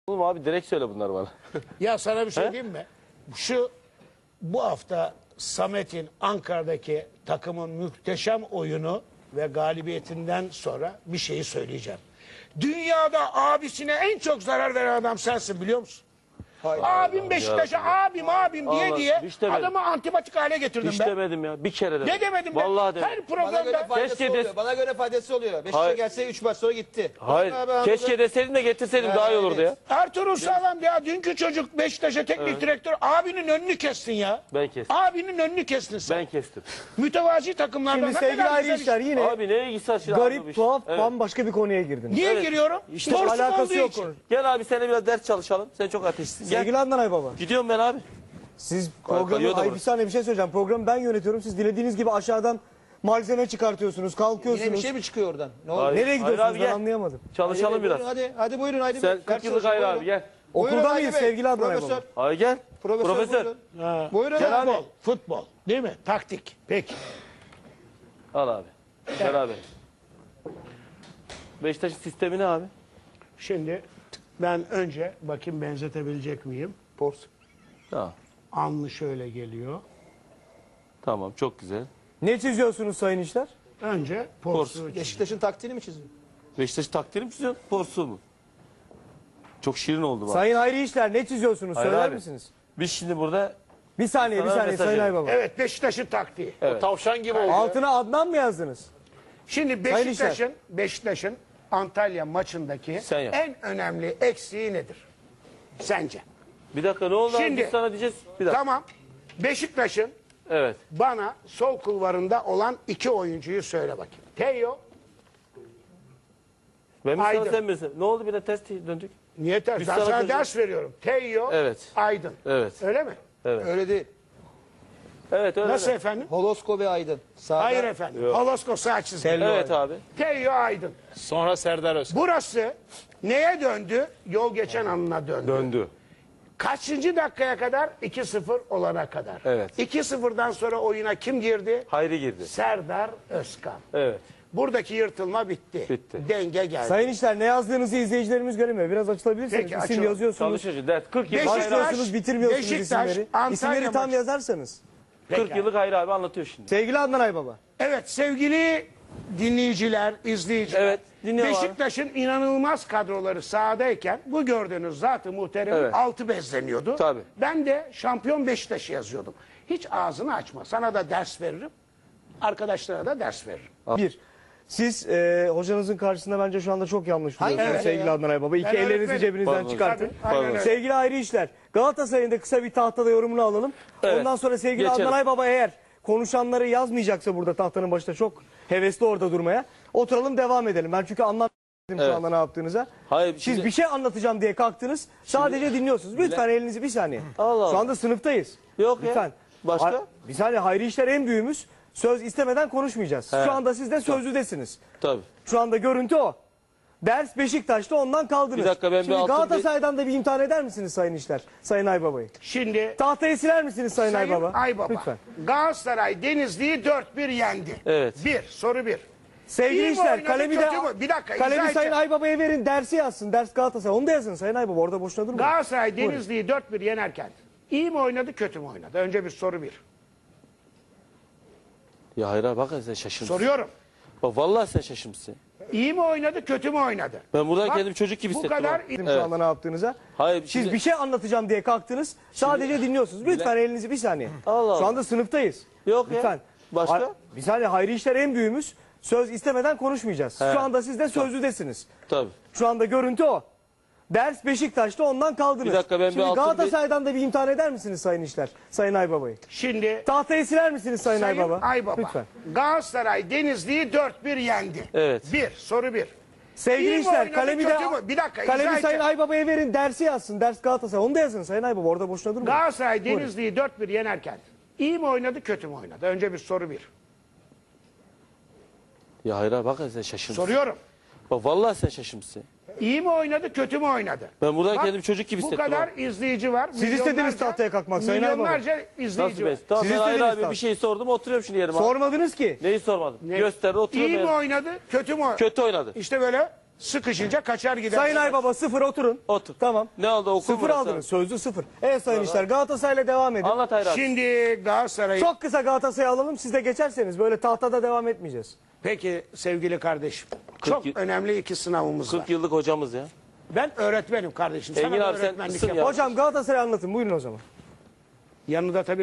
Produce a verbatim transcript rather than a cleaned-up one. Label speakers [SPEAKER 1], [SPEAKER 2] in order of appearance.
[SPEAKER 1] Oğlum abi direkt söyle bunlar bana.
[SPEAKER 2] Ya sana bir şey diyeyim mi? Şu bu hafta Samet'in Ankara'daki takımın muhteşem oyunu ve galibiyetinden sonra bir şeyi söyleyeceğim. Dünyada abisine en çok zarar veren adam sensin, biliyor musun?
[SPEAKER 3] Hayır.
[SPEAKER 2] Abim Beşiktaş'a abim abim diye
[SPEAKER 1] Allah,
[SPEAKER 2] diye
[SPEAKER 1] hiç demedim.
[SPEAKER 2] adamı antipatik hale getirdim
[SPEAKER 1] Hiç
[SPEAKER 2] ben.
[SPEAKER 1] demedim ya. Bir kere dedim.
[SPEAKER 2] Ne demedim ben?
[SPEAKER 1] Vallahi demedim.
[SPEAKER 2] Her
[SPEAKER 3] Bana göre
[SPEAKER 2] programda
[SPEAKER 3] faydası
[SPEAKER 1] Keşke
[SPEAKER 3] oluyor.
[SPEAKER 1] des-
[SPEAKER 3] Bana göre faydası oluyor. Beşiktaş'a
[SPEAKER 1] Hayır.
[SPEAKER 3] gelse üç maç sonra gitti.
[SPEAKER 1] Hayır.
[SPEAKER 3] Bana- bana-
[SPEAKER 1] Keşke deseydin de getirseydin daha iyi olurdu ya.
[SPEAKER 2] Ertuğrul Sağlam ya, dünkü çocuk Beşiktaş'a teknik direktör, abinin önünü kestin ya.
[SPEAKER 1] Ben kestim.
[SPEAKER 2] Abinin önünü kestin sen.
[SPEAKER 1] Ben kestim.
[SPEAKER 2] Mütevazi takımlardan
[SPEAKER 4] Şimdi
[SPEAKER 2] ne
[SPEAKER 4] sevgili
[SPEAKER 2] kadar
[SPEAKER 4] ayrı
[SPEAKER 2] güzel
[SPEAKER 4] işler
[SPEAKER 2] iş.
[SPEAKER 4] yine
[SPEAKER 1] Abi neye ilgisi var şimdi?
[SPEAKER 4] garip,
[SPEAKER 1] abi bu iş?
[SPEAKER 4] tuhaf,
[SPEAKER 1] Evet.
[SPEAKER 4] bambaşka bir konuya girdiniz.
[SPEAKER 2] Niye
[SPEAKER 1] Evet.
[SPEAKER 2] giriyorum?
[SPEAKER 4] İşte
[SPEAKER 2] Borsuk
[SPEAKER 4] alakası
[SPEAKER 2] olduğu
[SPEAKER 4] yok
[SPEAKER 2] için.
[SPEAKER 4] onun.
[SPEAKER 1] Gel abi seninle biraz ders çalışalım. Sen çok ateşlisin. Gel.
[SPEAKER 4] Sevgili Adnan Aybaba,
[SPEAKER 1] Gidiyorum ben abi.
[SPEAKER 4] siz
[SPEAKER 1] kayıyor
[SPEAKER 4] programı,
[SPEAKER 1] da
[SPEAKER 4] ay bir
[SPEAKER 1] burası.
[SPEAKER 4] saniye bir şey söyleyeceğim. Programı ben yönetiyorum. Siz dilediğiniz gibi aşağıdan malzeme çıkartıyorsunuz, kalkıyorsunuz.
[SPEAKER 3] Yine bir şey mi çıkıyor oradan? Ne oldu?
[SPEAKER 1] Hayır.
[SPEAKER 4] Nereye gidiyorsunuz
[SPEAKER 1] abi,
[SPEAKER 4] ben
[SPEAKER 1] gel.
[SPEAKER 4] anlayamadım.
[SPEAKER 1] Çalışalım
[SPEAKER 3] Hadi,
[SPEAKER 1] biraz.
[SPEAKER 3] Buyurun, hadi, hadi buyurun haydi.
[SPEAKER 1] Sen
[SPEAKER 3] Bey.
[SPEAKER 1] kırk
[SPEAKER 3] Ders
[SPEAKER 1] yıllık
[SPEAKER 3] çalışın,
[SPEAKER 1] ayrı abi
[SPEAKER 3] buyurun.
[SPEAKER 1] gel.
[SPEAKER 3] Buyurun
[SPEAKER 4] Okulda
[SPEAKER 3] Haydi
[SPEAKER 4] mıyız
[SPEAKER 3] Bey.
[SPEAKER 4] sevgili Adnan
[SPEAKER 3] Profesör.
[SPEAKER 4] Aybaba?
[SPEAKER 1] Hayır gel.
[SPEAKER 3] Profesör.
[SPEAKER 1] Profesör.
[SPEAKER 3] Buyurun.
[SPEAKER 2] Ha.
[SPEAKER 3] Buyurun
[SPEAKER 2] Futbol,
[SPEAKER 3] abi.
[SPEAKER 2] futbol değil mi? Taktik. Peki.
[SPEAKER 1] Al abi. Beraber. Beşiktaş'ın sistemi ne abi?
[SPEAKER 2] Şimdi ben önce bakayım benzetebilecek miyim?
[SPEAKER 3] Pors.
[SPEAKER 1] Tamam.
[SPEAKER 2] Anlı şöyle geliyor.
[SPEAKER 1] Tamam çok güzel.
[SPEAKER 4] Ne çiziyorsunuz sayın işler?
[SPEAKER 2] Önce porsu. çiz-
[SPEAKER 3] Beşiktaş'ın taktiğini mi çiziyor?
[SPEAKER 1] Beşiktaş taktiğini mi çiziyorsun? Porsu mu? Çok şirin oldu bak.
[SPEAKER 4] Sayın ayrı işler ne çiziyorsunuz
[SPEAKER 1] Hayır
[SPEAKER 4] söyler
[SPEAKER 1] abi.
[SPEAKER 4] misiniz?
[SPEAKER 1] Biz şimdi burada
[SPEAKER 4] Bir saniye bir
[SPEAKER 1] Sana
[SPEAKER 4] saniye
[SPEAKER 1] mesaj
[SPEAKER 4] sayın
[SPEAKER 1] verin.
[SPEAKER 4] Aybaba.
[SPEAKER 2] Evet, Beşiktaş'ın taktiği.
[SPEAKER 1] Evet.
[SPEAKER 5] Tavşan gibi oldu.
[SPEAKER 4] Altına Adnan mı yazdınız?
[SPEAKER 2] Şimdi
[SPEAKER 4] Sayın
[SPEAKER 2] Beşiktaş'ın Beşiktaş'ın Antalya maçındaki
[SPEAKER 1] Sen yap.
[SPEAKER 2] en önemli eksiği nedir? Sence?
[SPEAKER 1] bir dakika ne oldu
[SPEAKER 2] Şimdi-
[SPEAKER 1] abi? Biz sana diyeceğiz. Bir dakika.
[SPEAKER 2] Tamam. Beşiktaş'ın
[SPEAKER 1] Evet.
[SPEAKER 2] bana sol kulvarında olan iki oyuncuyu söyle bakayım. Teo,
[SPEAKER 1] Ben mi sana
[SPEAKER 2] Aydın.
[SPEAKER 1] sen misin? Ne oldu bir de test döndük?
[SPEAKER 2] niye ters?
[SPEAKER 1] Biz
[SPEAKER 2] Ben
[SPEAKER 1] sana
[SPEAKER 2] sana
[SPEAKER 1] kızım-
[SPEAKER 2] ders veriyorum. Teo,
[SPEAKER 1] Evet.
[SPEAKER 2] Aydın.
[SPEAKER 1] Evet.
[SPEAKER 2] Öyle mi?
[SPEAKER 3] Öyle değil.
[SPEAKER 1] Evet öyle.
[SPEAKER 2] Nasıl
[SPEAKER 1] de.
[SPEAKER 2] efendim?
[SPEAKER 3] Holosko ve Aydın. Sağda.
[SPEAKER 2] Hayır efendim. Holosko sağ çizgi.
[SPEAKER 1] Evet abi.
[SPEAKER 2] Teo, Aydın.
[SPEAKER 5] Sonra Serdar Özkan.
[SPEAKER 2] Burası neye döndü? Yol geçen anına döndü.
[SPEAKER 1] Döndü.
[SPEAKER 2] Kaçıncı dakikaya kadar? iki sıfır olana kadar.
[SPEAKER 1] Evet.
[SPEAKER 2] iki sıfırdan sonra oyuna kim girdi?
[SPEAKER 1] Hayri girdi.
[SPEAKER 2] Serdar Özkan.
[SPEAKER 1] Evet.
[SPEAKER 2] Buradaki yırtılma bitti.
[SPEAKER 1] Bitti.
[SPEAKER 2] Denge geldi.
[SPEAKER 4] Sayın işler ne yazdığınızı izleyicilerimiz göremiyor. Biraz açılabilirsiniz.
[SPEAKER 2] Peki,
[SPEAKER 4] İsim
[SPEAKER 2] açalım.
[SPEAKER 4] yazıyorsunuz.
[SPEAKER 1] Çalışıyoruz. Ders kırk yıllık
[SPEAKER 2] Beşiktaş-
[SPEAKER 1] Hayri abi.
[SPEAKER 4] Başlıyorsunuz bitirmiyorsunuz
[SPEAKER 2] Beşiktaş,
[SPEAKER 4] isimleri.
[SPEAKER 2] Antalya
[SPEAKER 4] İsimleri tam
[SPEAKER 2] maçı.
[SPEAKER 4] yazarsanız.
[SPEAKER 1] kırk
[SPEAKER 2] Pekala.
[SPEAKER 1] yıllık Hayri abi anlatıyor şimdi.
[SPEAKER 4] Sevgili Adnan Aybaba.
[SPEAKER 2] Evet sevgili dinleyiciler, izleyiciler.
[SPEAKER 1] Evet, dinliyorum abi.
[SPEAKER 2] Beşiktaş'ın inanılmaz kadroları sahadayken bu gördüğünüz zatı muhterem
[SPEAKER 1] Evet.
[SPEAKER 2] altı bezleniyordu.
[SPEAKER 1] Tabii.
[SPEAKER 2] Ben de şampiyon Beşiktaş'ı yazıyordum. Hiç ağzını açma. Sana da ders veririm. Arkadaşlara da ders veririm.
[SPEAKER 4] Bir. Siz e, hocanızın karşısında bence şu anda çok yanlış duruyorsunuz
[SPEAKER 2] Evet.
[SPEAKER 4] sevgili Adnan Aybaba. İki
[SPEAKER 2] Ben
[SPEAKER 4] ellerinizi
[SPEAKER 2] öğretmenim.
[SPEAKER 4] cebinizden
[SPEAKER 1] Pardon.
[SPEAKER 4] çıkartın.
[SPEAKER 2] Tabii, aynen öyle.
[SPEAKER 4] Sevgili ayrı işler. Galatasaray'ın da kısa bir tahtada yorumunu alalım.
[SPEAKER 1] Evet.
[SPEAKER 4] Ondan sonra sevgili
[SPEAKER 1] Geçelim.
[SPEAKER 4] Adnan Aybaba eğer konuşanları yazmayacaksa burada tahtanın başında çok hevesli orada durmaya. Oturalım devam edelim. Ben çünkü anlamadım
[SPEAKER 1] Evet.
[SPEAKER 4] şu anda ne yaptığınıza.
[SPEAKER 1] Hayır,
[SPEAKER 4] Siz
[SPEAKER 1] şimdi-
[SPEAKER 4] bir şey anlatacağım diye kalktınız. Sadece dinliyorsunuz. Lütfen elinizi bir saniye.
[SPEAKER 1] Allah Allah.
[SPEAKER 4] Şu anda sınıftayız.
[SPEAKER 1] Yok ya.
[SPEAKER 4] Lütfen.
[SPEAKER 1] Başka?
[SPEAKER 4] Ha- Bir saniye Hayri işler en büyüğümüz. Söz istemeden konuşmayacağız.
[SPEAKER 1] He.
[SPEAKER 4] Şu anda siz de sözlüdesiniz.
[SPEAKER 1] Tabii.
[SPEAKER 4] Şu anda görüntü o. Ders Beşiktaş'ta ondan kaldınız.
[SPEAKER 1] Bir dakika, ben bir
[SPEAKER 4] Şimdi
[SPEAKER 1] altın
[SPEAKER 4] Galatasaray'dan da bir imtihan eder misiniz Sayın İşler? Sayın Aybaba'yı.
[SPEAKER 2] Şimdi
[SPEAKER 4] Tahtayı siler misiniz Sayın,
[SPEAKER 2] Sayın
[SPEAKER 4] Aybaba?
[SPEAKER 2] Aybaba.
[SPEAKER 4] Lütfen.
[SPEAKER 2] Galatasaray Denizli'yi dört bir yendi.
[SPEAKER 1] Evet.
[SPEAKER 2] Bir, soru bir.
[SPEAKER 4] Sevgili
[SPEAKER 2] İyi mi
[SPEAKER 4] İşler
[SPEAKER 2] oynadı,
[SPEAKER 4] kalemi de
[SPEAKER 2] kötü mü? Bir dakika,
[SPEAKER 4] kalemi
[SPEAKER 2] izah
[SPEAKER 4] Sayın
[SPEAKER 2] edeceğim.
[SPEAKER 4] Aybaba'ya verin dersi yazsın. Ders Galatasaray. Onu da yazın Sayın Aybaba. Orada boşuna durmayın.
[SPEAKER 2] Galatasaray Denizli'yi dört bir yenerken iyi mi oynadı, kötü mü oynadı? Önce bir soru bir.
[SPEAKER 1] Ya Hayri abi bak sen şaşırmışsın.
[SPEAKER 2] Soruyorum.
[SPEAKER 1] Bak vallahi sen şaşırmışsın.
[SPEAKER 2] İyi mi oynadı, kötü mü oynadı?
[SPEAKER 1] Ben buradan
[SPEAKER 2] Bak,
[SPEAKER 1] kendimi çocuk gibi
[SPEAKER 2] bu
[SPEAKER 1] hissettim.
[SPEAKER 2] kadar
[SPEAKER 1] abi.
[SPEAKER 4] Şu anda ne yaptığınıza.
[SPEAKER 1] Hayır,
[SPEAKER 4] Siz
[SPEAKER 1] şimdi-
[SPEAKER 4] bir şey anlatacağım diye kalktınız. Sadece dinliyorsunuz. Lütfen elinizi bir saniye.
[SPEAKER 1] Allah Allah.
[SPEAKER 4] Şu anda sınıftayız.
[SPEAKER 1] Yok ya.
[SPEAKER 4] Lütfen.
[SPEAKER 1] Başka?
[SPEAKER 4] Ha- Bir saniye Hayri işler en büyüğümüz. Söz istemeden konuşmayacağız.
[SPEAKER 1] He.
[SPEAKER 4] Şu anda siz de sözlüdesiniz.
[SPEAKER 1] Tabii.
[SPEAKER 4] Şu anda görüntü o. Ders Beşiktaş'ta ondan kaldınız.
[SPEAKER 1] Bir dakika, ben bir
[SPEAKER 4] Şimdi
[SPEAKER 1] altın
[SPEAKER 4] Galatasaray'dan da bir imtihan eder misiniz Sayın İşler? Sayın Aybaba'yı.
[SPEAKER 2] Şimdi
[SPEAKER 4] Tahtayı siler misiniz Sayın,
[SPEAKER 2] Sayın
[SPEAKER 4] Aybaba?
[SPEAKER 2] Aybaba.
[SPEAKER 4] Lütfen.
[SPEAKER 2] Galatasaray Denizli'yi dört bir yendi.
[SPEAKER 1] Evet.
[SPEAKER 2] Bir, soru bir.
[SPEAKER 4] Sevgili
[SPEAKER 2] İyi mi
[SPEAKER 4] İşler
[SPEAKER 2] oynadı,
[SPEAKER 4] kalemi de
[SPEAKER 2] kötü mü? Bir dakika, izah
[SPEAKER 4] kalemi Sayın
[SPEAKER 2] edeceğim.
[SPEAKER 4] Aybaba'ya verin dersi yazsın. Ders Galatasaray. Onu da yazın Sayın Aybaba. Orada boşuna durmayın.
[SPEAKER 2] Galatasaray Denizli'yi dört bir yenerken iyi mi oynadı, kötü mü oynadı? Önce bir soru bir.
[SPEAKER 1] Ya Hayri abi bak sen şaşırmışsın.
[SPEAKER 2] Soruyorum.
[SPEAKER 1] Bak vallahi sen şaşırmışsın.
[SPEAKER 2] İyi mi oynadı, kötü mü oynadı?
[SPEAKER 1] Ben buradan
[SPEAKER 2] Bak,
[SPEAKER 1] kendimi çocuk gibi
[SPEAKER 2] Bu
[SPEAKER 1] hissettim.
[SPEAKER 2] kadar
[SPEAKER 1] abi.
[SPEAKER 2] izleyici var.
[SPEAKER 4] Siz istediniz
[SPEAKER 2] milyonlarca-
[SPEAKER 4] tahtaya kalkmak Sayın Aybaba.
[SPEAKER 2] Milyonlarca izleyici
[SPEAKER 1] Nasıl
[SPEAKER 2] var.
[SPEAKER 1] be? Tamam
[SPEAKER 4] Siz
[SPEAKER 1] ben Hayri
[SPEAKER 4] istediniz
[SPEAKER 1] abi
[SPEAKER 4] tabii.
[SPEAKER 1] bir şey sordum oturuyorum şimdi yerime. abi.
[SPEAKER 4] Sormadınız ki.
[SPEAKER 1] Neyi sormadım?
[SPEAKER 2] Ne?
[SPEAKER 1] Gösterdi oturuyorum.
[SPEAKER 2] İyi mi
[SPEAKER 1] yerime.
[SPEAKER 2] oynadı, kötü mü oynadı?
[SPEAKER 1] Kötü oynadı.
[SPEAKER 2] İşte böyle Sıkışınca kaçar gider.
[SPEAKER 4] Sayın Aybaba sıfır oturun.
[SPEAKER 1] Otur.
[SPEAKER 4] Tamam.
[SPEAKER 1] Ne oldu okur
[SPEAKER 4] Sıfır
[SPEAKER 1] burası?
[SPEAKER 4] aldınız. Sözlü sıfır. Evet Sayın İşler Galatasaray'la devam edin.
[SPEAKER 1] Anlat Hayri abi.
[SPEAKER 2] Şimdi Galatasaray.
[SPEAKER 4] Çok kısa Galatasaray'ı alalım. Siz de geçerseniz böyle tahtada devam etmeyeceğiz.
[SPEAKER 2] Peki sevgili kardeşim. Çok
[SPEAKER 1] yıl-
[SPEAKER 2] önemli iki sınavımız var.
[SPEAKER 1] kırk yıllık hocamız ya.
[SPEAKER 2] Ben öğretmenim kardeşim. Sana
[SPEAKER 1] Engin
[SPEAKER 2] da
[SPEAKER 1] abi sen
[SPEAKER 2] öğretmenlik
[SPEAKER 1] mısın ya?
[SPEAKER 2] yaparım.
[SPEAKER 4] Hocam Galatasaray'ı anlatın. Buyurun o zaman.
[SPEAKER 2] Yanında tabii